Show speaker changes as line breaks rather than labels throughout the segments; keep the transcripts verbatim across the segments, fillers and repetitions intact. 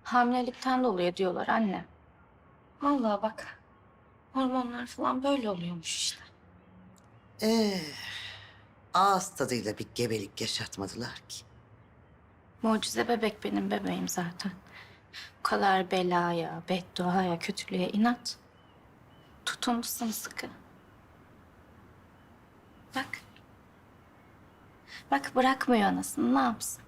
Hamilelikten dolayı diyorlar anne. Vallahi bak. Hormonlar falan böyle oluyormuş işte.
Ee, ağız tadıyla bir gebelik yaşatmadılar ki.
Mucize bebek benim bebeğim zaten. Bu kadar belaya, bedduaya, kötülüğe inat. Tutundu sımsıkı. Bak. Bak bırakmıyor anasını, ne yapsın?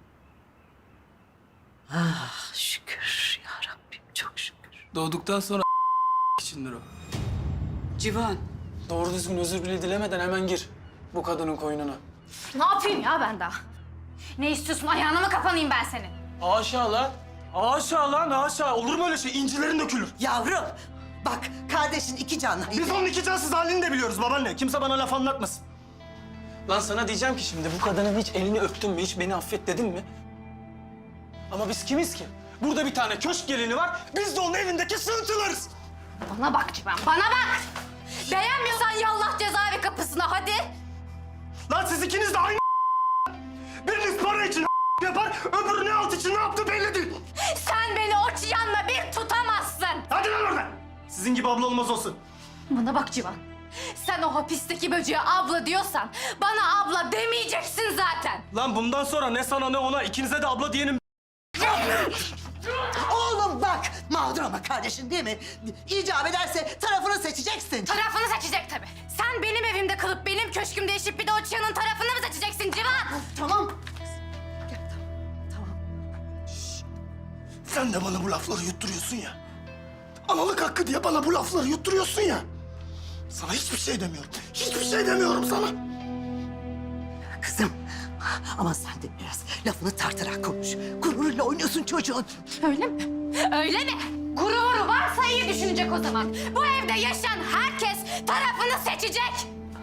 Ah şükür ya Rabbim, çok şükür.
Doğduktan sonra içindir o.
Civan.
Doğru düzgün özür bile dilemeden hemen gir bu kadının koynuna.
Ne yapayım ya ben daha? Ne istiyorsun? Ayağına mı kapanayım ben senin?
Haşa lan. Haşa lan haşa. Olur mu öyle şey? İncilerin dökülür.
Yavrum, bak kardeşin iki canlı.
Biz onun iki cansız halini de biliyoruz babaanne. Kimse bana laf anlatmasın.
Lan sana diyeceğim ki şimdi bu kadının hiç elini öptün mü? Hiç beni affet dedin mi? Ama biz kimiz ki? Burada bir tane köşk gelini var. Biz de onun evindeki sığıntılarız.
Bana bak Civan, bana bak! Beğenmiyorsan yallah cezaevi kapısına hadi.
Lan siz ikiniz de aynı biriniz para için yapar, öbürü ne alt için ne yaptı belli değil.
Sen beni o çıyanla bir tutamazsın.
Hadi lan oradan. Sizin gibi abla olmaz olsun.
Bana bak Civan. Sen o hapisteki böceğe abla diyorsan bana abla demeyeceksin zaten.
Lan bundan sonra ne sana ne ona ikinize de abla diyenim.
Oğlum bak, mağdur ama kardeşin değil mi? İcap ederse tarafını seçeceksin.
Tarafını seçecek tabii. Sen benim evimde kalıp benim köşkümde yaşayıp bir de o çıyanın tarafını mı seçeceksin Civan?
Tamam.
Sen de bana bu lafları yutturuyorsun ya. Analık hakkı diye bana bu lafları yutturuyorsun ya. Sana hiçbir şey demiyorum. Hiçbir şey demiyorum sana.
Kızım, ama sen de biraz lafını tartarak konuş. Gururuyla oynuyorsun çocuğun.
Öyle mi? Öyle mi? Gururu varsa iyi düşünecek o zaman. Bu evde yaşayan herkes tarafını seçecek.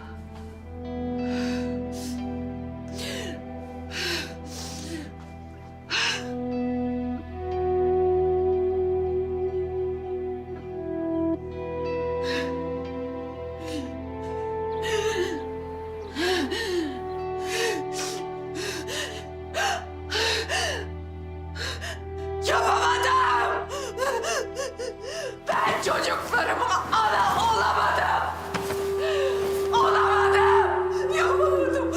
Yapamadım! Ben çocuklarıma ana olamadım! Olamadım! Yapamadım!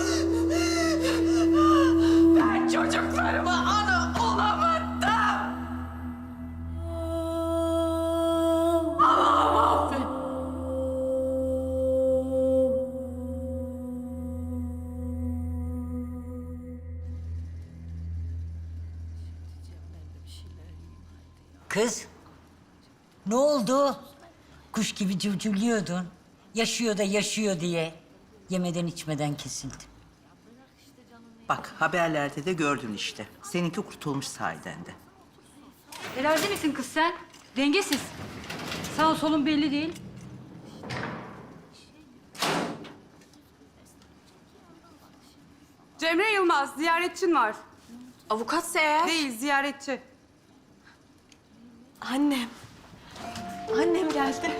Ben çocuklarıma ana olamadım! Allah'ım affet!
Kız, ne oldu? Kuş gibi cıvcıvlıyordun. Yaşıyor da yaşıyor diye. Yemeden içmeden kesildi.
Bak haberlerde de gördün işte. Seninki kurtulmuş sahiden de.
Herhalde misin kız sen? Dengesiz. Sağ solun belli değil.
Cemre Yılmaz, ziyaretçin var.
Avukatsa eğer...
Değil, ziyaretçi.
Annem. Annem geldi.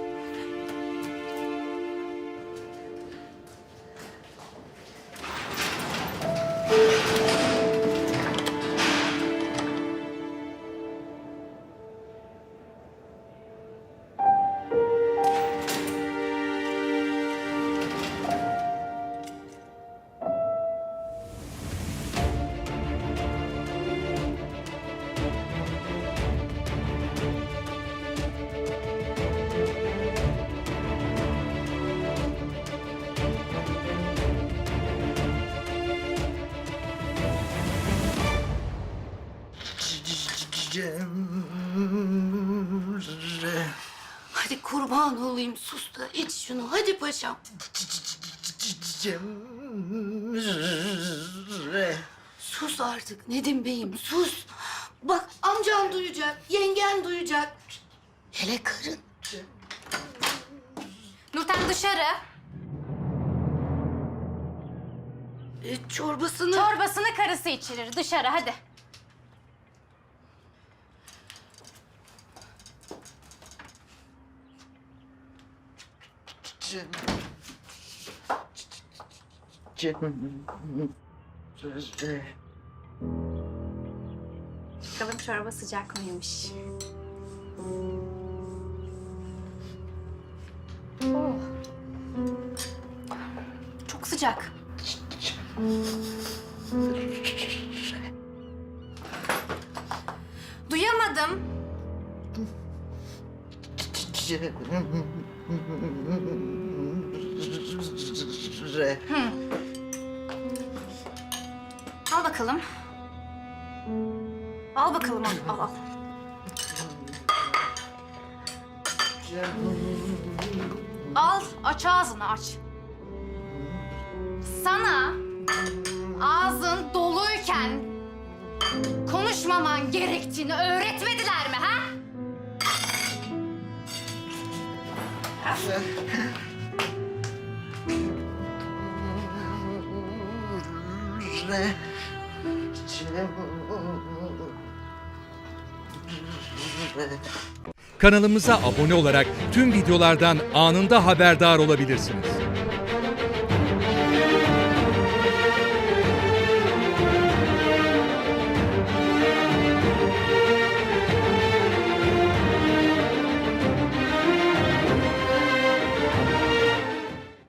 Cemre.
Hadi kurban olayım, sus da iç şunu. Hadi paşam.
Cemre.
Sus artık Nedim Bey'im, sus. Bak amcan duyacak, yengen duyacak. Hele karın.
Nurten dışarı.
E, çorbasını...
Çorbasını karısı içirir. Dışarı hadi.
Cem... Cem... Cemre.
Bakalım. çorba sıcak mıymış? Oh. Çok sıcak. Duyamadım. Al bakalım. Al bakalım, al, al, al. Al, aç ağzını, aç. Sana ağzın doluyken konuşmaman gerektiğini öğretmediler mi, ha?
Kanalımıza abone olarak tüm videolardan anında haberdar olabilirsiniz.